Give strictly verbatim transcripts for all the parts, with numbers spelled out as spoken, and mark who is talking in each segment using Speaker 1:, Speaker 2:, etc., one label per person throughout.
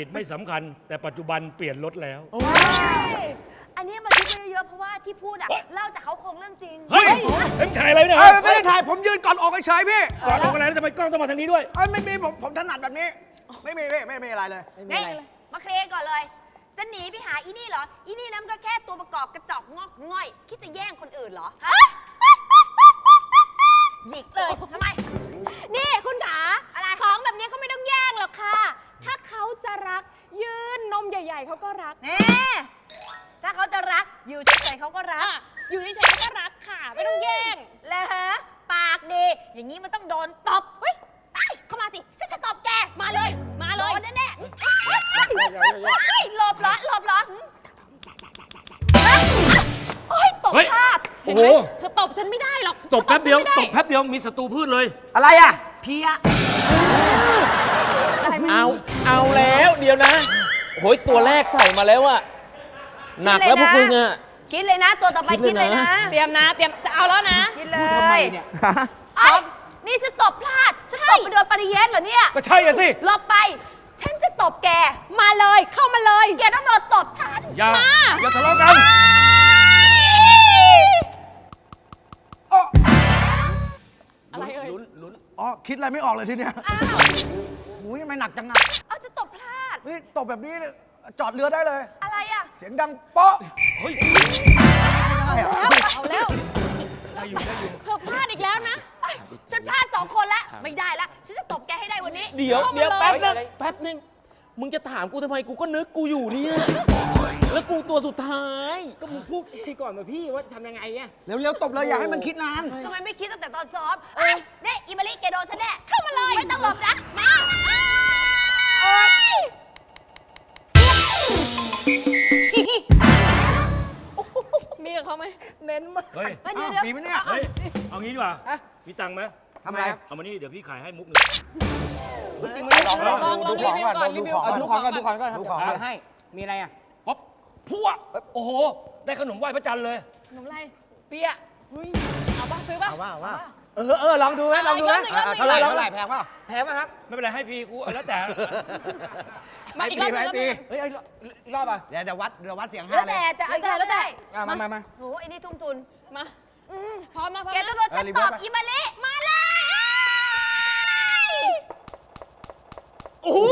Speaker 1: ตไม่สำคัญแต่ปัจจุบันเปลี่ยนรถแล้ว
Speaker 2: อันนี้มาคิดไปเยอะๆเพราะว่าที่พูดอะเล่าจากเขาโครงเรื่องจริง
Speaker 1: เฮ้ยเอ็มถ่ายอะไรเนี่ย
Speaker 3: ไม่ได้ถ่ายผมยืนก่อนออกเฉยพี่
Speaker 1: ก่อนออกอะไรแล้วทำไมกล้องต้องมาทางนี้ด้วย
Speaker 3: เอ้ยไม่มีผมผมถนัดแบบนี้ไม่มีพี่ไม่มีอะไรเลย
Speaker 2: นี่มาเคลียร์ก่อนเลยจะหนีไปหาอีนี่เหรออีนี่นั่นก็แค่ตัวประกอบกระจอกงอกง่อยคิดจะแย่งคนอื่นเหรอหยิกเลยทำไม
Speaker 4: นี่คุณขาอะไรของแบบนี้เขาไม่ต้องแย่งหรอกค่ะถ้าเขาจะรักยืนนมใหญ่ๆเขาก็รัก
Speaker 2: แน่ถ้าเขาจะรักอยู่เฉยๆเขาก็รัก
Speaker 4: อยู่เฉยๆเขาก็รักค่ะไม่ต้องแย่ง
Speaker 2: แล้วฮะปากดีอย่างนี้มันต้องโดนตบเฮ้ยเข้ามาสิฉันจะตบแกมาเลย
Speaker 4: มาเลย
Speaker 2: โดนแน่ๆหลบเหรอหลบเหรอโอ้ยตบพลาด
Speaker 1: โอ้โห
Speaker 4: เธอตบฉันไม่ได้หรอก
Speaker 1: ตบแป๊บเดียวตบแป๊บเดียวมีศัตรูพืชเลย
Speaker 3: อะไรอ่ะ
Speaker 2: เพี้ย
Speaker 5: เอาเอาแล้วเดี๋ยวนะโหยตัวแรกใส่มาแล้วอะหนักแล้วพวกคุณอะ
Speaker 2: คิดเลยนะตัวต่อไปคิดเลยนะ
Speaker 4: เตรียมนะเตรียมจะเอาแล้วนะ
Speaker 2: คิดเลยทำไมเนี่ยนี่ฉันตบพลาดฉันตบไปโดนปริเยสเหรอเนี่ย
Speaker 1: ก็ใช่อะสิ
Speaker 2: หลบไปฉันจะตบแก
Speaker 4: มาเลยเข้ามาเลย
Speaker 2: แกต้องโดนตบฉัน
Speaker 1: อย่าอย่าทะเลาะกัน
Speaker 4: อะไรเอ่ย
Speaker 3: ลุ้นลุ้นอ๋อคิดอะไรไม่ออกเลยทีเนี้ยอุ้ยทำไมหนักจังอะ
Speaker 2: เอาจะตบพลาด
Speaker 3: เฮ้ยตบแบบนี้จอดเรือได้เลย
Speaker 2: อะไรอะ
Speaker 3: เสียงดังเป๊ะ
Speaker 1: เฮ้ย
Speaker 3: ได้อะ
Speaker 2: เอาแล้ว
Speaker 1: ได้อยู่ได้อยู่
Speaker 4: เธอพลาดอีกแล้วนะ
Speaker 2: ฉันพลาดสองคนแล้วไม่ได้แล้วฉันจะตบแกให้ได้วันนี้
Speaker 5: เดี๋ยวเดี๋ยวแป๊บนึงแป๊บนึงมึงจะถามกูทำไมกูก็นึกกูอยู่เนี่ยแล้วกูตัวสุดท้าย
Speaker 6: ก็มึงพูดทีก่อนมาพี่ว่าทำยังไงเนี่ย
Speaker 3: เร็วๆตบเลยอย่าให้มันคิดนาน
Speaker 2: ทำไมไม่คิดตั้งแต่ตอนซ้อมไอ้เนี่ยอิมาริแกโดนฉันแน่
Speaker 4: เข้ามาเลย
Speaker 2: ไม่ต้องหลบนะมา
Speaker 4: มีกับเขาไหมเน้นมาก
Speaker 1: เฮ้ย
Speaker 3: ปีไหมเนี่ย
Speaker 1: เฮ้ยเอางี้ดีกว่ามีตังค์ไหม
Speaker 3: ทำอะไร
Speaker 1: เอามานี่เดี๋ยวพี่ขายให้มุกหนึ่ง
Speaker 6: จริงไหม
Speaker 3: ลองลองดูของก่อนดูของ
Speaker 6: ดูของก่อนดูของก่อน
Speaker 3: ดูของ
Speaker 6: ให้มีอะไรอ่ะ
Speaker 1: ป๊อปพั่วโอ้โหได้ขนมไหว้พระจันทร์เลย
Speaker 4: ขนมอะไร
Speaker 6: เปี้ย
Speaker 4: เอาป่ะซื้อป่ะ
Speaker 3: เอาว่าเอาว่า
Speaker 6: เออเออลองดูไหมลองดูไหม
Speaker 3: เท่าไหร่เท่าไหร่แพงป่ะ
Speaker 6: แพงไหมครับ
Speaker 1: ไม่เป็นไรให้ฟรีกูแล้วแต่
Speaker 4: มาอีกรอบนึง
Speaker 6: เฮ้ยอีกรอบอ่ะ
Speaker 3: เดี๋ยวเดี๋ยววัดเดี๋ยววัดเสียงห้า
Speaker 2: แล้วแต่จะ
Speaker 4: แล้วแต่แล้วแต่
Speaker 6: มามามา
Speaker 2: โอ้ไอ้นี่ทุ่มทุน
Speaker 4: มาพร้อมนะพร้อม
Speaker 2: แกต้องโดนฉันตอบอิมาริ
Speaker 4: มาเลย
Speaker 6: โอ้โห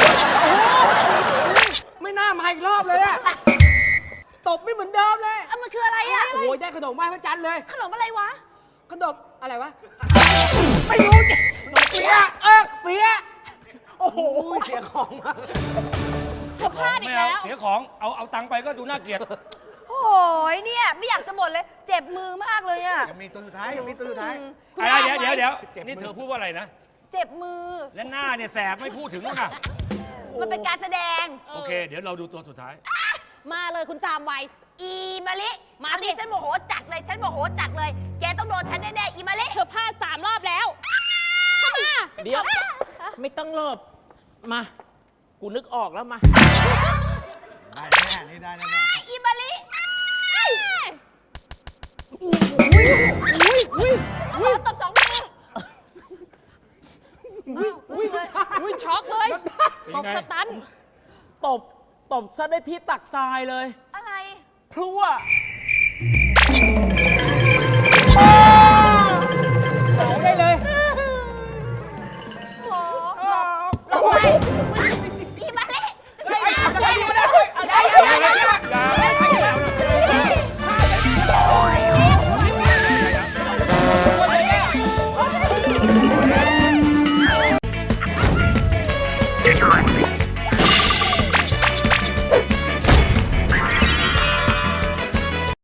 Speaker 6: ไม่น่ามาอีกรอบเลยอะตบไม่เหมือนเดิมเลย
Speaker 2: มันคืออะไรอะ
Speaker 6: โอ้ยได้ขนมไหว้พระจันทร์เลย
Speaker 2: ขนมอะไรวะ
Speaker 6: ขนมอะไรวะไม่รู้ขนมเปี๊ยะเออเปี๊ยะโอ้โห
Speaker 3: เสียของมา
Speaker 4: เธอพลาดอีกแล้ว
Speaker 1: เสียของเอาเอาตังค์ไปก็ดูน่าเกลียด
Speaker 2: โอ้ยเนี่ยไม่อยากจะบ่นเลยเจ็บมือมากเลยอะ
Speaker 3: ยังมีตัวสุดท้ายยังมีตัวสุดท้าย
Speaker 1: เดี๋ยวเดี๋ยวเดี๋ยวนี่เธอพูดว่าอะไรนะ
Speaker 2: เจ็บมือ
Speaker 1: และหน้าเนี่ยแสบไม่พูดถึงแล้วนะ
Speaker 2: มันเป็นการแสดง
Speaker 1: โอเคเดี๋ยวเราดูตัวสุดท้าย
Speaker 4: มาเลยคุณสามวัย
Speaker 2: อีมาลิมาดิฉันโมโหจัดเลยฉันโมโหจัดเลยแกต้องโดนฉันแน่ๆอีมาลิ
Speaker 4: เธอพลาดสามรอบแล้วเข้ามา
Speaker 5: เดี๋ยวไม่ต้องหลบมากูนึกออกแล้วมา
Speaker 3: ได้แน่นี่ได้แน่
Speaker 2: อีมาลิ
Speaker 4: อุ้ยอุ้ยอุ้ย
Speaker 2: อุ้ยตบสองมือ
Speaker 4: อุ้ยอุ้ยอุ้ยช็อกเลยตบสตัน
Speaker 5: ตบตบซะได้ที่ตักทรายเลย
Speaker 2: อะไร
Speaker 5: พลั่ว